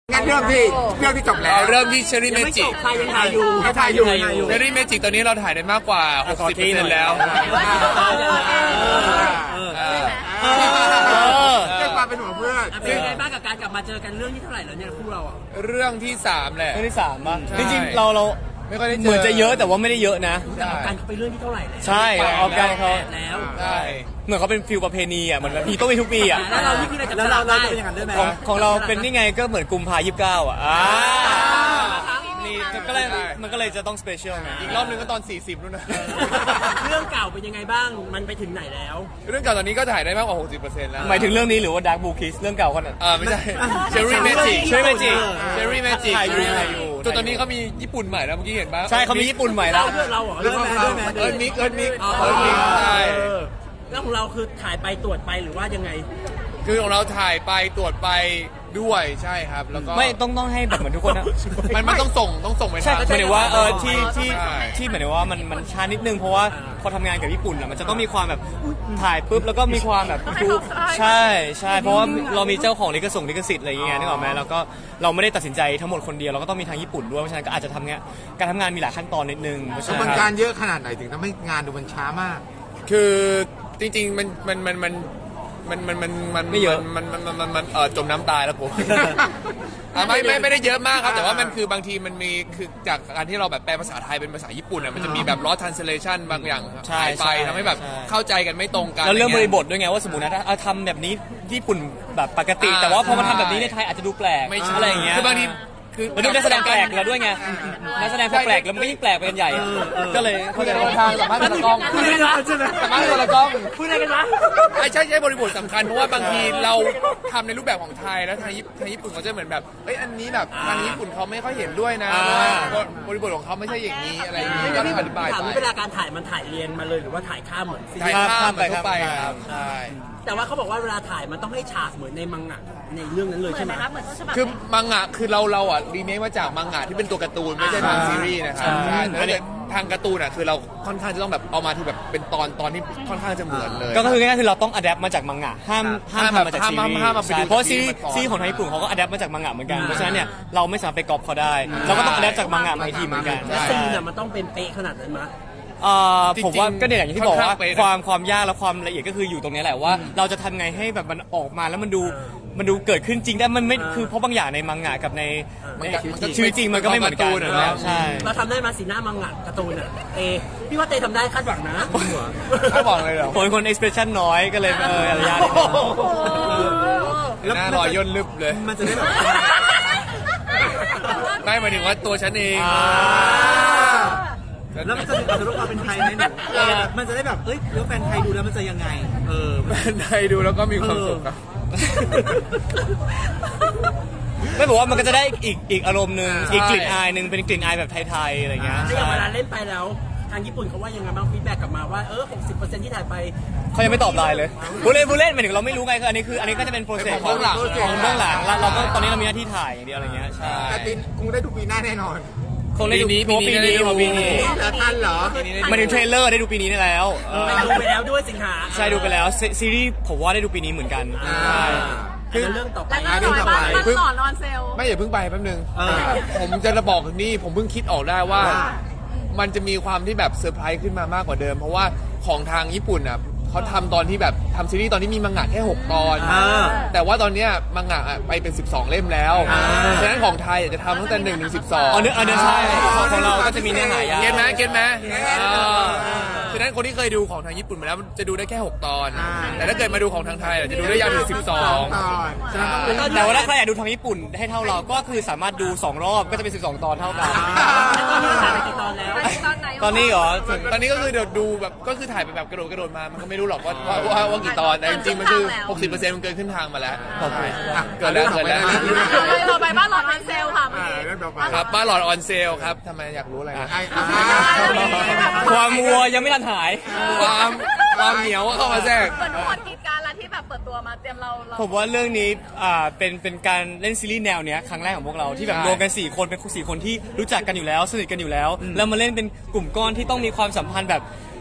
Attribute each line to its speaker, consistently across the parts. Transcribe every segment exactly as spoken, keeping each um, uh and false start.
Speaker 1: งั้นเริ่มที่เรื่องที่จบแล้ว
Speaker 2: เราเริ่มที่เชอรี่เมจิก
Speaker 3: ใครยังถ่ายอยู่
Speaker 1: ถ่ายอยู่
Speaker 2: เชอรี่เมจิกตอนนี้เราถ่ายได้มากกว่า หกสิบเปอร์เซ็นต์ แล้ว
Speaker 1: เรื่องความเป็นห่วงเพื่อน
Speaker 3: เป็นยังไงบ้างกับการกลับมาเจอกันเรื่องที่เท่าไหร่แล้วเนี่ยคู่เราอ่ะ
Speaker 2: เรื่องที่สามแหละ
Speaker 4: เรื่องที่สามป่ะ
Speaker 2: ใช่
Speaker 4: จริงๆเราเรา
Speaker 2: ไม่ค่อยได้เจอ
Speaker 4: เหมือนจะเยอะแต่ว่าไม่ได้เยอะนะ
Speaker 3: แต่เอาการเขาไปเรื่องที่เท่าไหร่แล้ว
Speaker 4: ใช่ออกการเขา
Speaker 3: แล้ว
Speaker 2: ใช่
Speaker 4: เหมือนเขาเป็นฟิลประเพณีอ่ะเหมือนแบบมีต้องมีทุกปีอ่ะ
Speaker 3: แล้วเรานี่คืออะไรจะเราเราเป็นอย่างนั้นด้วยไหม
Speaker 4: ของของเราเป็นนี่ไงก็เหมือนกุมภายี่สิบเก้าอ่ะอ่านี่ก็เลยมันก็เลยจะต้องสเปเชียลไง
Speaker 2: อีกรอบนึงก็ตอนสี่สิบนู่นนะ
Speaker 3: เรื่องเก่าเป็นยังไงบ้างมันไปถึงไหนแล้ว
Speaker 2: เรื่องเก่าตอนนี้ก็ถ่ายได้มากกว่า หกสิบเปอร์เซ็นต์ แล้ว
Speaker 4: หมายถึงเรื่องนี้หรือว่า Dark Blue Kiss เรื่องเก่าคนนั้น
Speaker 2: อ่าไม่ใช่เชอรี่เมจิก
Speaker 4: Cherry Magic
Speaker 2: เชอรี่เมจิก
Speaker 4: ถ่ายอยู่ถ่ายอยู่
Speaker 2: จนตอนนี้เขามีญี่ปุ่นใหม่แล้วเมื่อกี้เห็นปะ
Speaker 4: ใช่เขามีญี่ปุ่นใหม่แล้ว
Speaker 3: เรื่องเราเหรอเรื่องแม่ด้วยแม่
Speaker 2: เอิร์นมิกเอิร์นมิก
Speaker 3: อ๋อ
Speaker 2: เอิร์นมิกใช่
Speaker 3: แล้วของเราคือถ่ายไปตรวจไปหรือว่ายังไง
Speaker 2: คือของเราถ่ายไปตรวจไปด้วยใช่ครับแล้วก็
Speaker 4: ไม่ต้องต้องให้แบบเหมือนทุกคนนะ
Speaker 2: มันมันต้องส่งต้องส่งไป
Speaker 4: ใช่
Speaker 2: ทาง
Speaker 4: หมายถึงว่าเออที่ที่
Speaker 2: ใช่
Speaker 4: ที่หมายถึงว่ามันมันช้านิดนึงเพราะว่าพอทำงานกับญี่ปุ่นอะมันจะต้องมีความแบบถ่ายปุ๊บแล้วก็มีความแบบดูใช่ใช่เพราะว่าเรามีเจ้าของลิขสิทธิ์ลิขสิทธิ์อะไรอย่างเงี้ยนึกออกไหมแล้วก็เราไม่ได้ตัดสินใจทั้งหมดคนเดียวเราก็ต้องมีทางญี่ปุ่นด้วยเพราะฉะนั้นก็อาจจะทำงานการทำงานมีหลายขั้นตอนนิดนึงเพราะฉะ
Speaker 1: กระ
Speaker 4: นั้
Speaker 1: บวน
Speaker 4: น
Speaker 1: การเยอะขนาดไหนถึงทำให้งานดูมันช้ามาก
Speaker 2: คือจริงๆมันมันมันมันมันมันมันมันไม่เยอะมันมันมันมันมันเออจมน้ำตายแล้วผม อ่ะไม่ไม่ไม่ได้เยอะมากครับแต่ว่ามันคือบางทีมันมีคือจากการที่เราแบบแปลภาษาไทยเป็นภาษาญี่ปุ่นอ่ะมันจะมีแบบ lost translation บางอย่างหายไปทำให้แบบเข้าใจกันไม่ตรงกัน
Speaker 4: แล้วเรื่องบริบทด้วยไงว่าสมมตินะถ้าเอาทำแบบนี้ญี่ปุ่นแบบปกติ แต่ว่าพอมาทำแบบนี้ในไทยอาจจะดูแปลก
Speaker 2: ไม่ใช่
Speaker 4: อะไรอย่างเงี้ย
Speaker 2: คือบางทีคือ
Speaker 4: แล้วดูนักแสดงแปลกแล้วด้วยไงนักแสดงพอแปลกแล้วมันก็ยิ่งแปลกไปกันใหญ่ก็เลย
Speaker 2: เข้าใจว่าทางสัมภาษณ์คนละกล้อง
Speaker 3: พูดอะไรกันวะใช่ไหม
Speaker 2: สัมภาษณ์คนละกล้อง
Speaker 3: พูดอะไรกันวะ
Speaker 2: ไอ้ใช่ใช่บริบทสำคัญเพราะว่าบางทีเราทำในรูปแบบของไทยแล้วทางญี่ทางญี่ปุ่นเขาจะเหมือนแบบเอ้ยอันนี้แบบทางญี่ปุ่นเขาไม่ค่อยเห็นด้วยนะเพราะว่าบริบทของเขาไม่ใช่อย่างนี้อะไรอย่างนี้ก็อธิบาย
Speaker 3: ถาม
Speaker 2: ไป
Speaker 3: ว่าเวลาการถ่ายมันถ่ายเรียนมาเลยหรือว่าถ่ายข้ามเหมือนซี
Speaker 2: ถ่าย
Speaker 3: รีส์
Speaker 2: ข้ามไปเข้าไปครับใช่
Speaker 3: แต่ว่าเขาบอกว่าเวลาถ่ายมันต้องให้ฉากเหมือนในมังงะในเรื่องนั้นเลยใช่ไหมครับ
Speaker 2: คือมังงะคือเราเราอ่ะรีเมคมาจากมังงะที่เป็นตัวการ์ตูนไม่ใช่ทางซีรีส์นะครับใช่แต่ถ้าเกิดทางการ์ตูนอ่ะคือเราค่อนข้างจะต้องแบบเอามาที่แบบเป็นตอนตอนที่ค่อนข้างจะเหมือนเลย
Speaker 4: ก็คือง่ายๆคือเราต้องอัดแอปมาจากมังงะห้ามห้าม
Speaker 2: ห้าม
Speaker 4: ทำมาจาก
Speaker 2: ห้าม
Speaker 4: ซีรีส์
Speaker 2: ห้ามมาไปดู
Speaker 4: ใช่เพราะซีรีส์
Speaker 2: จากซีรีส์มาก่อน
Speaker 4: ซีรีส์ของทางญี่ปุ่นเขาก็อัดแอปมาจากมังงะเหมือนกันเพราะฉะนั้นเนี่ยเราไม่สามารถไปก๊อปเขาได้เราก็ต้องอัดแอปจากมังงะมาอีกทีเหมือนกัน
Speaker 3: แล้วซีนอ่ะมันต้องเป็นเป๊ะขนาดนั้นมั้ย
Speaker 4: เอ่อ
Speaker 2: จริงๆ
Speaker 4: ผมว่าก็เนี่ยอย่างที่บอกว่า
Speaker 2: ค่อนข้างเป๊ะนะ
Speaker 4: ความความยากและความละเอียดก็คืออยู่ตรงนี้แหละว่า เราจะทำไงให้แบบมันออกมาแล้วมันดูมันดูเกิดขึ้นจริงได้มันไม่คือเพราะบางอย่างในมังงะกับใน
Speaker 2: มัน
Speaker 4: ใน
Speaker 2: ก็มันก็
Speaker 4: ชีวิตจริงมันก็ไม่เหมือนกัน
Speaker 2: การ์ตูนอะเนาะ
Speaker 4: ใช่
Speaker 3: เราทำได้มาสีหน้ามังงะการ์ตูนอ่ะเตพี่ว่าเตทำได้คาดหวังนะ
Speaker 2: เขาบอกเลยเหรอ
Speaker 4: ผมเป็นคน expression น้อยก็เลยเอออะไรยากนิดนึง
Speaker 2: หน้ารอยย่นลึบเลย
Speaker 3: มันจะได้แบบ
Speaker 2: ไม่หมายถึงว่าตัวฉันเอง
Speaker 5: แล้วมันจะอาจจะรู้ความเป็นไทยไหมหนูมันจะได้แบบ เอ้ยแล้วแฟนไทยดูแล้วมันจะยังไง เออ
Speaker 2: ไทยดูแล้วก็มีความสุขครับ
Speaker 4: ไม่บอกว่ามันก็จะได้อีกอีกอารมณ์หนึ่งอีกกลิ่นอายหนึ่งเป็นกลิ่นอายแบบไทยๆอะไรเงี้ย
Speaker 3: ถ้าอย่าง
Speaker 4: ใช่
Speaker 3: เวลาเล่นไปแล้วทางญี่ปุ่นเขาว่ายังไงบ้างฟีดแบ็กกลับมาว่าเออ หกสิบเปอร์เซ็นต์ ที่ถ่ายไป
Speaker 4: เขายังไม่ตอบไลน์เลยผู้เล่นผู้เล่นหมายถึงเราไม่รู้ไงคืออันนี้คืออันนี้ก็จะเป็นโปรเซส
Speaker 2: ของเบื้องหลัง
Speaker 4: ของเบื้องหลังแล้วเราก็ตอนนี้เรามีหน้าที่ถ่ายอย่างเดียวอะไรเงี้ยใช่
Speaker 1: แต่ปีคงได้ดูปีหน้าแน่นอน
Speaker 4: คงได้ดู
Speaker 2: ปีนี้
Speaker 4: เพราะปีนี้
Speaker 2: ปีนี้
Speaker 4: เพราะปีนี้
Speaker 1: แล้วท่านเหรอ
Speaker 4: มาถึงเทรลเลอร์ได้ดูปีนี้ได้แล้วเออ
Speaker 3: ไปดูไปแล้วด้วยสิงหา
Speaker 4: ใช่ดูไปแล้วซีซีรีส์ผมว่าได้ดูปีนี้เหมือนกันใช่
Speaker 3: คือเรื่องต่อไป
Speaker 1: อ่าเรื่องต่อไป
Speaker 6: มันหลอนออนเซล
Speaker 2: ไม่อย่าเพิ่งไปแป๊บนึงผมจะระบอกนี่ผมเพิ่งคิดออกได้ว่า มันจะมีความที่แบบเซอร์ไพรส์ขึ้นมามากกว่าเดิม เพราะว่าของทางญี่ปุ่นอ่ะเขาทำตอนที่แบบทำซีรีส์ตอนที่มีมังงะแค่หกตอน แต่ว่าตอนเนี้ยมังงะอะไปเป็นสิบสองเล่มแล้วฉะนั้นของไทยอาจจะทำตั้งแต่หนึ่งถึงสิบสอง
Speaker 4: อ๋อเนื้ออันเนื้อใช่ของของเราก็จะมีเนื้อหายาว
Speaker 2: เก็ตไหมเก็ตไหมอ่าฉะนั้นคนที่เคยดูของทางญี่ปุ่นมาแล้วจะดูได้แค่หกตอน แต่ถ้าเกิดมาดูของทางไทยอะจะดูได้ยาวถึงสิบสอง
Speaker 1: ตอนฉะนั้นต้อง
Speaker 4: แต่ว่าถ้าใครอยากดูทางญี่ปุ่นให้เท่าเราก็คือสามารถดูสองรอบก็จะเป็นสิบสองตอนเท่ากัน
Speaker 3: ตอนนี้ถ่ายไปกี่ตอนแล้ว
Speaker 6: ตอนไหน
Speaker 4: ตอนนี้เหรอ
Speaker 2: ตอนนี้ก็คือเดี๋ยวดูแบบก็คือถ่ายไปแบบกระโดดกระโดดมา มันก็ไม่รู้หรอกว่าว่าว่าว่ากี่ตอน แต่จริงๆ มันคือ หกสิบเปอร์เซ็นต์ มันเกินขึ้นทางมาแล้ว
Speaker 4: ขอบคุณ
Speaker 2: อ่ะเกิดแล้วเกิดแล้ว
Speaker 6: ต่อไปบ้านหลอนออนเซลค่ะ
Speaker 1: อ่าเรื่องต่อไป
Speaker 2: ครับบ้านหลอดออนเซลครับทำไมอยากรู้อะไรนะ
Speaker 1: ไอ้อ่า
Speaker 4: ความวัวยังไม่ทันหาย
Speaker 2: ความความเหนียวเข้ามาแทรก
Speaker 6: เหมือนทุกคนกรีดการแล้วที่แบบเปิดตัวมาเตรียมเราเรา
Speaker 4: ผมว่าเรื่องนี้อ่าเป็นเป็นการเล่นซีรีส์แนวเนี้ยครั้งแรกของพวกเราที่แบบ
Speaker 2: ใช่
Speaker 4: รวมกันสี่คนเป็นสี่คนที่รู้จักกันอยู่แล้วสนิทกันอยู่แล้ว แล้วมาเล่นเป็นกลุ่มก้อนที่ต้องมีความสัมพันธ์แบบ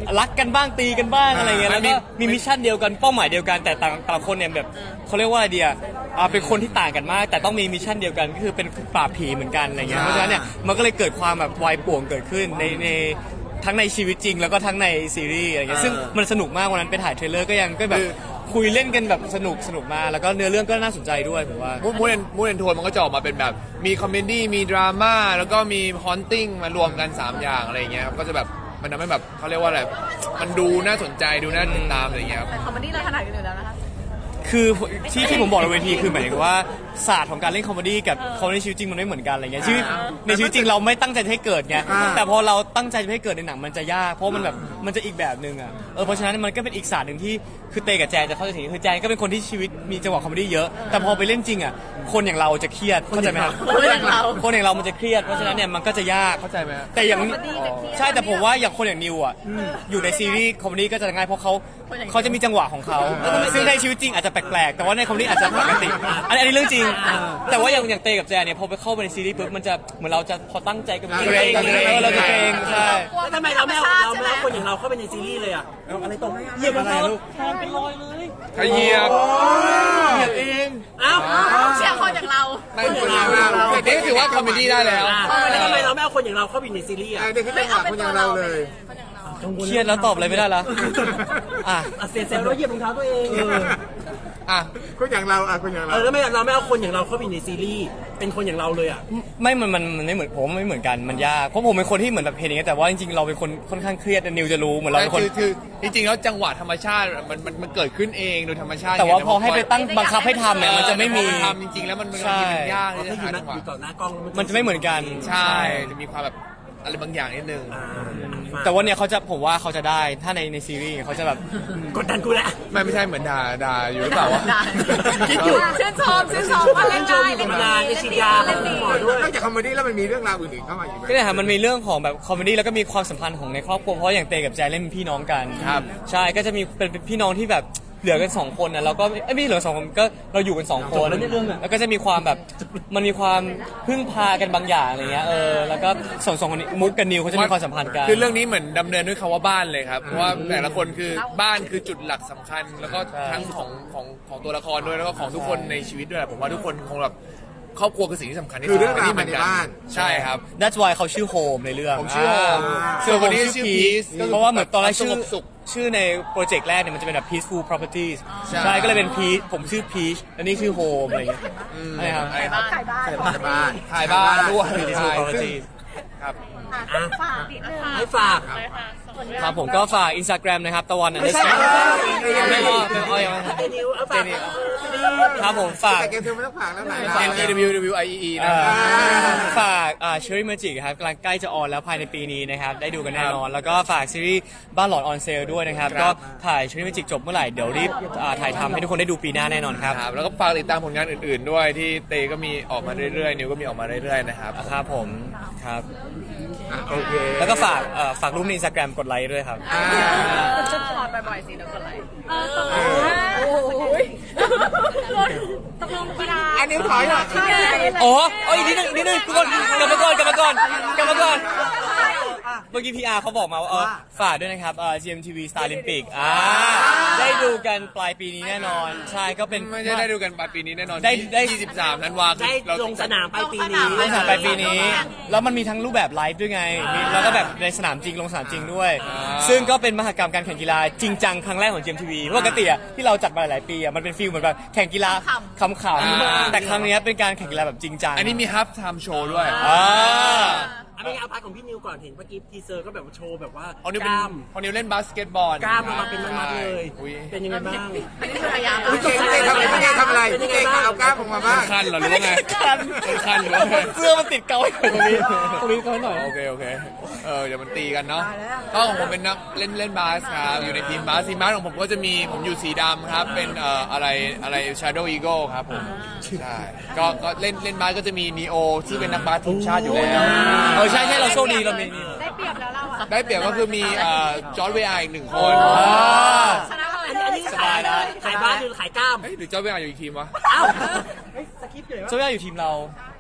Speaker 4: รักกันบ้างตีกันบ้างอะไรเงี้ย
Speaker 2: มั
Speaker 4: แล้
Speaker 2: น
Speaker 4: ว
Speaker 2: มี
Speaker 4: ก็มีมิชชั่นเดียวกันเป้าหมายเดียวกันแต่ต่างต่างคนเนี่ยแบบเขาเรียกว่าอะไรเดียอ่าเป็นคนที่ต่างกันมาก แต่ต้องมีมิชชั่นเดียวกันก็คือเป็นปราบผีเหมือนกันอะไรเงี้ยเพราะฉะนั้นเนี่ยมันก็เลยเกิดความแบบวายป่วงเกิดขึ้นในในทั้งในชีวิตจริงแล้วก็ทั้งในซีรีส์อะไรเงี้ยซึ่งมันสนุกมากวันนั้นไปถ่ายเทรลเลอร์ก็ยังก็แบบคุยเล่นกันแบบสนุกสนุกมากแล้วก็เนื้อเรื่องก็น่าสนใจด้วยผมว่า
Speaker 2: มูดแอนมูดแอนโทนมันก็จะออกมาเป็นแบบมีคอมเมดี้มีดราม่าแล้วก็มีฮอนติ้งมารวมกันสามอย่างอะไรอย่างเงี้ยครับก็จะแบบมันทำให้แบบเขาเรียกว่าอะไรมันดูน่าสนใจดูน่าติดตามอะไรอย่างเงี้ยครับ
Speaker 6: แต่คอมเมดี้เราถนัดกันอยู่แล้วนะคะ
Speaker 4: คือที่ที่ผมบอกในเวทีคือหมายถึงว่าศาสตร์ของการเล่นคอมเมดี้กับคอมเมดี้ชีวิตจริงมันไม่เหมือนกันอะไรเงี้ยชีวิตในชีวิตจริงเราไม่ตั้งใจจะให้เกิดไงแต่พอเราตั้งใจจะให้เกิดในหนังมันจะยากเพราะมันแบบมันจะอีกแบบนึงอ่ะเออเพราะฉะนั้นมันก็เป็นอีกศาสตร์หนึ่งที่คือเตกับแจนจะเข้าใจถึงคือแจนก็เป็นคนที่ชีวิตมีจังหวะคอมเมดี้เยอะแต่พอไปเล่นจริงอ่ะคนอย่างเราจะเครียดเข้าใจไหมครับ
Speaker 6: คนอย่างเรา
Speaker 4: คนอย่างเรามันจะเครียดเพราะฉะนั้นเนี่ยมันก็จะยาก
Speaker 2: เข้าใจไหมครับ
Speaker 4: แต่อย่างใช่แต่ผมว่าอย่างคนอย่างนิวอ่ะอยู่ในซีรีส์คอมเมดี้ก็จะง่ายเพราะเขาเขาจะมีจังหวะของเขาซึ่งในชีวิตจริงอาจจะแปลกๆแต่ว่าในคอมเมดี้อาจจะปกติอันนี้อันนี้เรื่องจริง แต่ว่าอย่างอย่างเตกับแจนเนี่ยพอไปเข้าไปในซีรีส์ปุ๊บมันจะเหมือนเราจะพอตั้งใจกับมันเกรงเออเราจะเกรงใช่
Speaker 3: แล้วทำไมเราไม่เอาเราไม่เอาคนอย่างเราเข้าไปในซีรีส์เลยอ่ะเอาอะไรตรงให้เหยียบอะไรลูก
Speaker 4: แทนเป็นรอยเลย
Speaker 2: ขยียบเหยียบเอง
Speaker 3: เอ้า
Speaker 6: เชียร์คนอย่างเรา
Speaker 2: ไม่คนอย่างเราแต่นี่ถือว่าคอมเมดี้ได้แล้ว
Speaker 3: แล้วทำไมเราไม่เอาคนอย่างเราเข้าไปในซีรีส์อ่ะ
Speaker 1: ไอ้นี่คือจังหวะคนอย่างเราเลย
Speaker 4: เครียดแล้วตอบอะไรไม่ได้ละอ่ะ
Speaker 3: อ่ะเสียเซลล์แล้วเหยียบรองเท้าตัวเอง
Speaker 2: อ่ะ
Speaker 1: คนอย่างเราอ่ะคนอย่าง
Speaker 3: เอ
Speaker 1: เรา
Speaker 3: อแล้วไม่เราไม่เอาคนอย่างเราเข้าไปในซีรีส์เป็นคนอย่างเราเลยอ่ะ
Speaker 4: ไม่มันมันมันไม่เหมือนผมไม่เหมือนกันมันยากเพราะผมเป็นคนที่เหมือนแบบเห็นอย่างเงี้ยแต่ว่าจริงๆเราเป็นคนค่อนข้างเครียดนิวจะรู้เหมือนเราเป็นคน
Speaker 2: คือคือจริงๆแล้วจังหวะธรรมชาติมันมันมันเกิดขึ้นเองโดยธรรมชาติ
Speaker 4: แต่ว่าพอให้ไปตั้งบังคับให้ทำเนี่ยมันจะไม่มี
Speaker 2: ทำจริงๆแล้วมันมัน
Speaker 4: ใช่
Speaker 2: มันยาก
Speaker 3: เรา
Speaker 2: ที่
Speaker 3: ถ้า
Speaker 2: จะ
Speaker 3: อยู่
Speaker 2: หา
Speaker 3: นะ
Speaker 2: จังหวะ
Speaker 3: อยู่ต่อหน้ากล้อง
Speaker 4: มันจะไม่เหมือนกัน
Speaker 2: ใช่จะมีความแบบอะไรบางอย่างนิดนึง
Speaker 3: อ่า
Speaker 4: แต่ว่าเนี่ยเขาจะผมว่าเขาจะได้ถ้าในในซีรีส์เขาจะแบบ
Speaker 3: กดดันกูแหละ
Speaker 2: ไม่ไม่ใช่เหมือนด่าด่าอยู่หรือเปล่าวะ
Speaker 3: คิดอยู่
Speaker 6: ชื่นชมชื่นชมว่าเล่น
Speaker 3: ชื่นชม
Speaker 6: ได้
Speaker 3: อยู่
Speaker 6: เล่น
Speaker 3: ธรรม
Speaker 6: ดี
Speaker 3: ดาในฉีดยาของคุณหมอด้วย
Speaker 1: นอกจากคอมเมดี้แล้วมันมีเรื่องราวอื่นๆเข้ามาอีกไหม
Speaker 4: ก็เนี่ยค่ะมันมีเรื่องของแบบคอมเมดี้แล้วก็มีความสัมพันธ์ของในครอบครัวเพราะอย่างเตกับแจนเล่นเป็นพี่น้องกัน
Speaker 2: ครับ
Speaker 4: ใช่ก็จะมีเป็นเป็นพี่น้องที่แบบเหลือกันสองคนนะแล้วก็เอ้ยไม่เหลือสองคนก็เราอยู่กันสองคน
Speaker 3: จบแล้วเนี่ยเรื่องอะ
Speaker 4: แล้วก็จะมีความแบบมันมีความพึ่งพากันบางอย่างอะไรเงี้ยเออแล้วก็สองสองคนนี้มุกกับนิวเขาจะมีความสัมพันธ์กัน
Speaker 2: คือเรื่องนี้เหมือนดำเนินด้วยคำว่าบ้านเลยครับเพราะว่าแต่ละคนคือบ้านคือจุดหลักสำคัญ แล้วก็ทั้งของของของตัวละครด้วยแล้วก็ของทุกคนในชีวิตด้วยผมว่าทุกคนคงแบบครอบครัวคือสิ่งที่สำคัญที่
Speaker 1: คื
Speaker 2: สุ
Speaker 1: อ
Speaker 2: ด
Speaker 1: เรื่องราว
Speaker 2: นี่เห
Speaker 1: ภา
Speaker 2: มื
Speaker 1: ย
Speaker 2: อนกัน
Speaker 1: ในบ้าน
Speaker 2: ใช่ครับ
Speaker 4: That's why เขาชื่อโฮมในเรื่อง
Speaker 2: ผมชื่อโฮมส่วนคนนี้ชื่อ Peace
Speaker 4: เพราะว่าเหมือนตอนแรกชื่อ
Speaker 2: สงบสุข
Speaker 4: ชื่อในโปรเจกต์แรกเนี่ยมันจะเป็นแบบ peaceful properties
Speaker 2: ใช่
Speaker 4: ใช่ก็เลยเป็น peace ผมชื่อ peach แล้วนี่ชื่อ home อะไรอย่างเงี้ยใช่ครับ
Speaker 2: ใช่ครับ
Speaker 6: ขายบ้าน
Speaker 1: บ้าน
Speaker 2: ถ่ายบ้านด้วย
Speaker 4: peaceful
Speaker 2: ใช่ซึ่ง
Speaker 4: properties
Speaker 2: ครับ
Speaker 6: ฝากนิดนึง
Speaker 3: ให้ฝาก
Speaker 4: ครับผมก็ฝาก Instagram นะครับตะวัน
Speaker 3: ไม่ใช่
Speaker 4: ไม่พอไม่พอยังไม่
Speaker 3: เตนิวเอาฝาก
Speaker 4: ครับผมฝาก
Speaker 1: แต่เกมเธอไม่ต้องผ่านแล้วไหน
Speaker 2: N E W W I E E นะ
Speaker 4: เอ่
Speaker 2: ครับ
Speaker 4: อฝากอ่า Cherry Magic ครับกำลังใกล้จะออนแล้วภายในปีนี้นะครับ ได้ดูกันแน่นอน แล้วก็ฝากซีรีส์บ้านหลอนออนเซลด้วยนะครับ
Speaker 2: ครั
Speaker 4: ก็
Speaker 2: บ
Speaker 4: ถ่าย Cherry Magic จบเมื่อไหร่ เดี๋ยวรีบอ่าถ่ายทำให้ทุกคนได้ดูปีหน้าแน่นอนครับ
Speaker 2: ครับแล้วก็ฝากติดตามผลงานอื่นๆด้วยที่เตก็มีออกมาเรื่อยๆ นิวก็มีออกมาเรื่อยๆนะครับ
Speaker 4: ครับผมครับ
Speaker 1: อ่ะโอเค
Speaker 4: แล้วก็ฝากเอ่อฝากรูปใน Instagram กดไลค์ด้วยครับ
Speaker 1: อ่า
Speaker 6: ถอดบ่อยๆสิเดี๋ยวกดไลค์เออโอ้ยตกลงกีฬา
Speaker 1: อันนี้ถอยหน่อย
Speaker 4: โอ้โอ้ยอีกนิดนึงอีกนิดนึงทุกคนกลับมาก่อนกลับมาก่อนกลับมาก่อนเมื่อกี้ พี อาร์ เขาบอกมาว่าเออฝากด้วยนะครับเอ่อ จี เอ็ม ที วี Star Olympic อ่าได้ดูกันปลายปีนี้แน่นอน ใช่ก็เป็น
Speaker 2: ไม่ใช่ได้ดูกันปลายปีนี้แน่นอน
Speaker 4: ได้ได้
Speaker 2: ยี่สิบสามธันวาคม
Speaker 3: ได้
Speaker 2: เรา
Speaker 3: ลงสนามไปปีนี้
Speaker 4: ลงสนามปลายปีนี้ แล้วมันมีทั้งรูปแบบไลฟ์ด้วยไงมีแล้วก็แบบในสนามจริงลงสนามจริงด้วย ซึ่งก็เป็นมหกรรมการแข่งกีฬาจริงจังครั้งแรกของ จี เอ็ม ที วี ปกติอะที่เราจัดมาหลายๆปีอะมันเป็นฟีลเหมือนแบบแข่งกีฬาขำๆแต่ครั้งเนี้ยเป็นการแข่งกีฬาแบบจริงจัง
Speaker 2: อันนี้มีฮับไทม์โชว์ด้วย
Speaker 4: อ่า
Speaker 3: เอาไม่เอาพาร์ทของพี่นิวก่อนเห็นเมื่อกี้ทีเซอร์ก็แบบว่าโชว์แบบว่า
Speaker 2: เอานิว
Speaker 3: ก
Speaker 2: เป็น
Speaker 3: ล้าม
Speaker 2: เอานิวเล่นบาสเกตบอล
Speaker 3: กล้ามออกมาเป็นมัดๆเลย
Speaker 2: อุ๊ย
Speaker 3: เป็นยังไงบ้าง
Speaker 6: อันนี้คือพยายาม
Speaker 1: พี่เก่งพี่เก่งทำอะไรพี่เก่งทำอะไรพี่เก่งเอากล้ามออกมาบ้าง
Speaker 2: คันเหรอหรือว่าไงคันคันหรือว่าไง
Speaker 4: เสื้อมันติดเกาไว้ตรงนี้ตรงนี้เกาไว้หน่อย
Speaker 2: โอเคโอเคเออเดี๋ยวมันตีกันเนาะก็ของผมเป็นนักเล่นเล่นบาสครับอยู่ในทีมบาสทีมบาสของผมก็จะมีผมอยู่สีดำครับเป็นเอ่ออะไรอะไร Shadow Eagle ครับผมใช่ก็ก็เล่นเล่นบาสก็จะมีนีโอที่เป็นนักบาสทีมชาติอยู่แล้ว
Speaker 4: เออใช่ใช่เราโชคดีเรามีนี่
Speaker 6: ได้เปรียบแล้วเราอะ
Speaker 2: ได้เปรียบก็คือมีเอ่อจอร์จเวียร์อีกหนึ่งคน
Speaker 6: ชนะเลย
Speaker 3: อันนี้อันนี้ขายอะไรขายบ้านหรือขายกล้าม
Speaker 2: เอ้ยหรือจอร์จเวียร์อยู่อีกทีมวะ
Speaker 3: เอ้าเฮ้ยสคริปต์อยู่ไหนวะ
Speaker 4: โซย่าอยู่ทีมเรา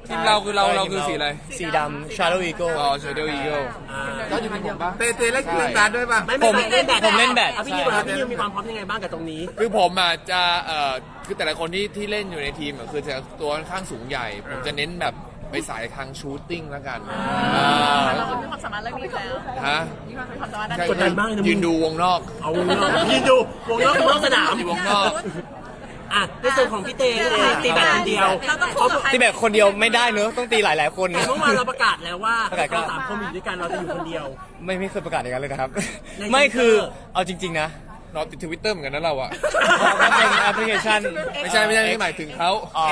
Speaker 2: ทีมเราคือเราเราคือสีอะไร
Speaker 4: สีดำ Shadow Eagle
Speaker 2: อ๋อ Shadow Eagle
Speaker 1: แล้วอยู่ที่ผมป่ะเตเตเล่นเล่นการด้วยป่ะ
Speaker 3: ไม่ไม่ไม่เล่นแบด
Speaker 4: ผมเล่นแบด
Speaker 3: อ่ะพี่นิวครับพี่นิวมีความพร้อมยังไงบ้างกับตรงนี้
Speaker 2: คือผมอ่ะจะเอ่อคือแต่ละคนที่ที่เล่นอยู่ในทีมอ่ะคือจะตัวค่อนข้างสูงใหญ่ ผมจะเน้นแบบไปสายทางชูตติ้งแล้วกันอ่า
Speaker 6: เรามีความสามารถเรื่องนี้อยู่แล้ว
Speaker 2: ฮะ
Speaker 6: มีความสามารถด้าน
Speaker 2: ใช่
Speaker 6: นี้
Speaker 3: กดดันมากเลยนะ
Speaker 2: ยืนดูวงนอก
Speaker 3: เอาวงนอกยืนดูวงนอกคือนอกสนาม
Speaker 2: อยู่วงนอก
Speaker 3: อ่ะในส่วนของพี่เต้พี่เต้ตีแบดคนเดียว
Speaker 6: เราต้องคู่กับใคร
Speaker 4: ตีแบบคนเดียวไม่ได้เนอะต้องตีหลายๆคน
Speaker 3: แต่เมื่อวานเราประกาศแล้วว่า
Speaker 4: ประกาศก็
Speaker 3: เราสามคนอยู่ด้วยกันเราจะอยู่คนเดียว
Speaker 4: ไม่ไม่เคยประกาศอย่างนั้นเลยนะครับ
Speaker 3: ใน
Speaker 4: ไม่คือ
Speaker 3: Twitter
Speaker 4: เอาจริง ๆ นะ
Speaker 2: นอนติดทวิตเตอร์เหมือนกันนะเราอ่ะ
Speaker 4: มันเป็นแอปพลิเคชัน
Speaker 2: ไม่ใช่ไม่ใช่ไม่หมายถึงเขา
Speaker 4: อ๋อ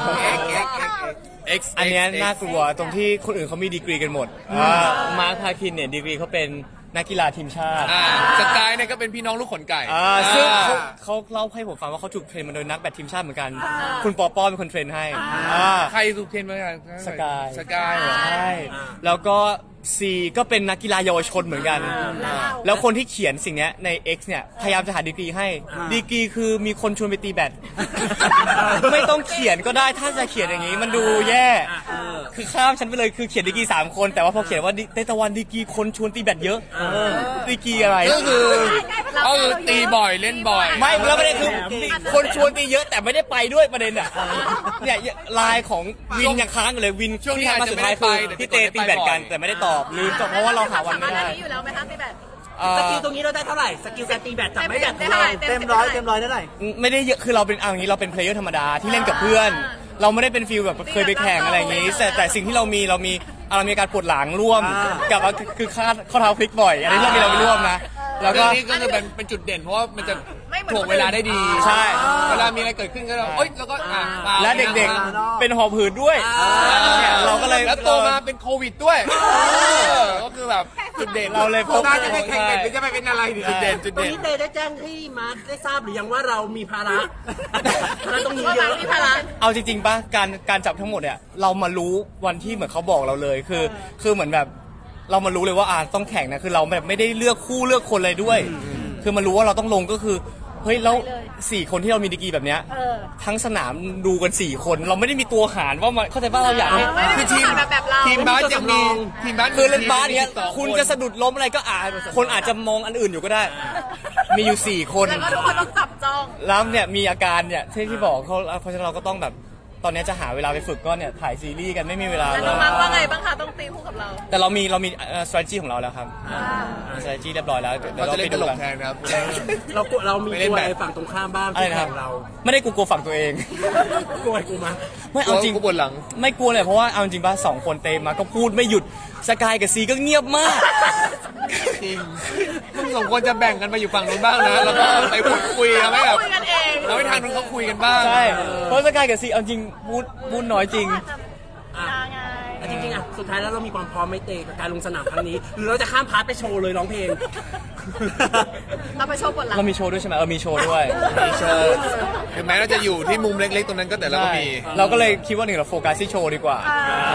Speaker 2: X
Speaker 4: อันเนี้ยน่ากลัวตรงที่คนอื่นเขามีดีกรีกันหมดมาร์คพาคินเนี่ยดีกรีเขาเป็นนักกีฬาทีมชาติ
Speaker 2: อ่าสกายเนี่ยก็เป็นพี่น้องลูกขนไก่
Speaker 4: อ่าซึ่งเขา
Speaker 2: อ่า
Speaker 4: เขาเล่าให้ผมฟังว่าเขาถูกเทรนมาโดยนักแบดทีมชาติเหมือนกัน คุณปอปอเป็นคนเทรนให้อ่า
Speaker 2: ใครถูกเทรนมากัน
Speaker 4: สกาย
Speaker 2: สกายเหรอ
Speaker 4: ใช่แล้วก็ซีก็เป็นนักกีฬาเยาวชนเหมือนกัน แล้วคนที่เขียนสิ่งเนี้ยใน X เนี่ยพยายามจะหาดีกรีให้ดีกรีคือมีคนชวนไปตีแบดไม่ต้องเขียนก็ได้ถ้าจะเขียนอย่างนี้มันดูแย่คือข้ามฉันไปเลยคือเขียนดีกรีสามคนแต่ว่าพอเขียนว่าเตตะวันดีกรีคนชวนตีแบดเยอะดีกรีอะไร
Speaker 2: ก็คือก็คือตีบ่อยเล่นบ่อย
Speaker 4: ไม่แล้วประเด็นคือคนชวนตีเยอะแต่ไม่ได้ไปด้วยประเด็นอ่ะเนี่ยไลน์ของวินยังค้างอยู่เลยวิน
Speaker 2: ช่วงนี้
Speaker 4: ที่ทักมาสุดท้ายคือ
Speaker 2: อาจจะไม่ได้ไป
Speaker 4: พี่เตตีแบดกันแต่ไม่ได้ตอบลืมตอบเพราะว่าเราหาวันไม่ได้
Speaker 6: สามารถอันนี้อยู่แล้วไหมคะตีแบด
Speaker 4: เอ่อ
Speaker 3: สกิลตรงนี้เราได้เท่าไหร่สกิลการตีแบดจากไม้แบดของเรา
Speaker 5: เต็มร้อยเต็มร้อยเท่าไหร่
Speaker 4: ไม่ได้เยอะคือเราเป็นเอาอย่างนี้เราเป็นเพลเยอร์ธรรมดาที่เล่นกับเพื่อน เราไม่ได้เป็นฟิลแบบเคยไปแข่งอะไรอย่างนี้ แต่แต่สิ่งที่เรามีเรามีเรามีการปวดหลังร่วม
Speaker 5: อ่า
Speaker 4: กับคือคาดข้อเท้าพลิกบ่อย อันนี้เรามีเราไปร่วมนะแล้วก็
Speaker 2: เรื่องนี้ก็คือเป็นเป็นจุดเด่นเพราะว่ามันจะ
Speaker 6: ไม่เหมือน
Speaker 2: ถ่วงเวลาได้ดี
Speaker 4: ใช่
Speaker 2: เวลามีอะไรเกิดขึ้นก็เราเอ้ยแล้วก็อ่ะปา
Speaker 4: และเด็กๆเป็นหอบหืดด้วยเนี่ยเราก็เลย
Speaker 2: แล้วโตมาเป็นโควิดด้วยเออก็คือแบบจุดเด่น
Speaker 4: เราเลยพบ
Speaker 1: น่าจะไปแข่งกันหรือจะไปเป็นอะไรดี
Speaker 2: จุดเด่นจุด
Speaker 3: ตรง
Speaker 2: เด่น
Speaker 3: นี้เต้ได้แจ้งให้มาร์คได้ทราบหรือยังว่าเรามีภาระภาระตรงนี้
Speaker 6: ว่า
Speaker 3: เย
Speaker 6: บาง
Speaker 3: อะ
Speaker 6: ที่ภาระ
Speaker 4: เอาจริงๆป่ะการการจับทั้งหมดเนี่ยเรามารู้วันที่เหมือนเขาบอกเราเลยคือ คือเหมือนแบบเรามารู้เลยว่าอ่าต้องแข่งนะคือเราแบบไม่ได้เลือกคู่เลือกคนเลยด้วย คือมารู้ว่าเราต้องลงก็คือเฮ้ยแล้วสี่คนที่เรามีดีกรีแบบเนี้ย
Speaker 6: เออ
Speaker 4: ทั้งสนามดูกันสี่คนเราไม่ได้มีตัวหารว่ามันเข้าใจป่ะเราอยากให้
Speaker 6: ไม่ได้
Speaker 2: คือทีม
Speaker 6: แบบแบบเรา
Speaker 2: ทีมบาสยังมีทีมบาส
Speaker 4: คือเล่นบาสเนี้ย
Speaker 2: มีสิบสอง
Speaker 4: คุณจะสะดุดล้มอะไรก็อาจคนอาจจะมองอันอื่นอยู่ก็ได้ มีอยู่สี่คน
Speaker 6: แล้วก็ทุกคนต้องจับจ้อง
Speaker 4: แล้วเนี่ยมีอาการเนี่ยที่ที่บอกเขาเพราะฉะนั้นเราก็ต้องแบบตอนนี้จะหาเวลาไปฝึกก็เนี่ยถ่ายซีรีส์กันไม่มีเวลา
Speaker 6: แล้ว
Speaker 4: เล
Speaker 6: น้อง
Speaker 4: ย
Speaker 6: มาร์คว่าไงบ้างคะต้องตีคู่กับเรา
Speaker 4: แต่เรามีเรามีเอ่อ strategy ของเราแล้วครับมี strategy เรียบร้อยแล้วเดี๋ยว
Speaker 2: เรา
Speaker 4: เรา
Speaker 2: จะเล่
Speaker 4: ไป
Speaker 2: นต
Speaker 4: ดู
Speaker 2: ลก
Speaker 4: กัน
Speaker 2: แทนครับ
Speaker 3: เรากลัวเรามี
Speaker 2: ไม่
Speaker 3: ก
Speaker 2: เล่น
Speaker 3: ลัว
Speaker 2: แบด
Speaker 3: อะไรฝั่งตรงข้ามบ้าง
Speaker 4: อะไร
Speaker 3: ที่
Speaker 4: นะครับ
Speaker 3: แข่งเรา
Speaker 4: ไม่ได้กูกลัวฝั่งตัวเอง
Speaker 3: กลัวอะไรกูมา
Speaker 4: ไม่เอาจริง
Speaker 2: กูปวดหลัง
Speaker 4: ไม่กลัวเลยเพราะว่าเอาจริงป่ะสองคนเตมมาก็พูดไม่หยุดสกายกับซีก็เงียบมาก
Speaker 2: จริงมึงสองคนจะแบ่งกันไปอยู่ฝั่งนู้นบ้างนะ แล้วก็ไปพูดคุยทำให้แบบ
Speaker 6: คุยกันเอง
Speaker 2: เราให้ทางนู้นเขาคุยกันบ้าง
Speaker 4: ใช่เพราะสกายกับซีเอาจริงพูดพูดน้อยจริง
Speaker 3: อ่ะ
Speaker 6: ไง
Speaker 3: อ่ะจริงๆอ่ะสุดท้ายแล้วเรามีความพร้อมไหม่เตะกับการลงสนามครั้งนี้ หรือเราจะข้ามพาร์ทไปโชว์เลยร้องเพลง
Speaker 6: เราไปโชว์บทหลัง
Speaker 4: เรามีโชว์ด้วยใช่ไหมเออมีโชว์ด้วย
Speaker 2: มีโชว์ถึงแม้เราจะอยู่ที่มุมเล็กๆตรงนั้นก็แต่เราก็
Speaker 4: ใช่
Speaker 2: มี
Speaker 4: เราก็เลยคิดว่าหนึ่งเราโฟกัสที่โชว์ดีกว่า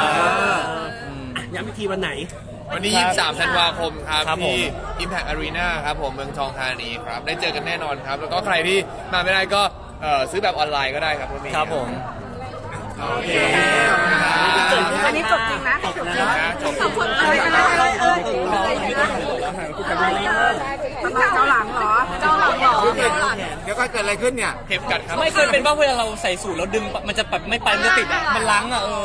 Speaker 3: ย้ำอีกทีวันไหน
Speaker 2: วันนี้
Speaker 4: ครับ
Speaker 2: ยี่สิบสามธันวาคมครับ
Speaker 4: ครับผม
Speaker 2: ที่ Impact Arena ครับผมเมืองทองธานีครับ ได้เจอกันแน่นอนครับ แล้วก็ใครที่มาไม่ได้ก็เอ่อซื้อแบบออนไลน์ก็ได้ครับก็มี
Speaker 4: ครับผม
Speaker 2: โอเค
Speaker 6: อันนี้จบจริงนะจบจริง
Speaker 2: นะจบ
Speaker 6: ขอบคุณอะไรกันนะเออเออเจ้าหลังเหรอเจ้าหลังเหรอ
Speaker 1: เดี๋ยวก็เกิดอะไรขึ้นเนี่ย
Speaker 2: เข็มกัดครับ
Speaker 4: ไม่เคยเป็นบ้างเวลาเราใส่สูทแล้วดึงมันจะแบบไม่ไปมันจะติดอะมันล้างอ่ะเออ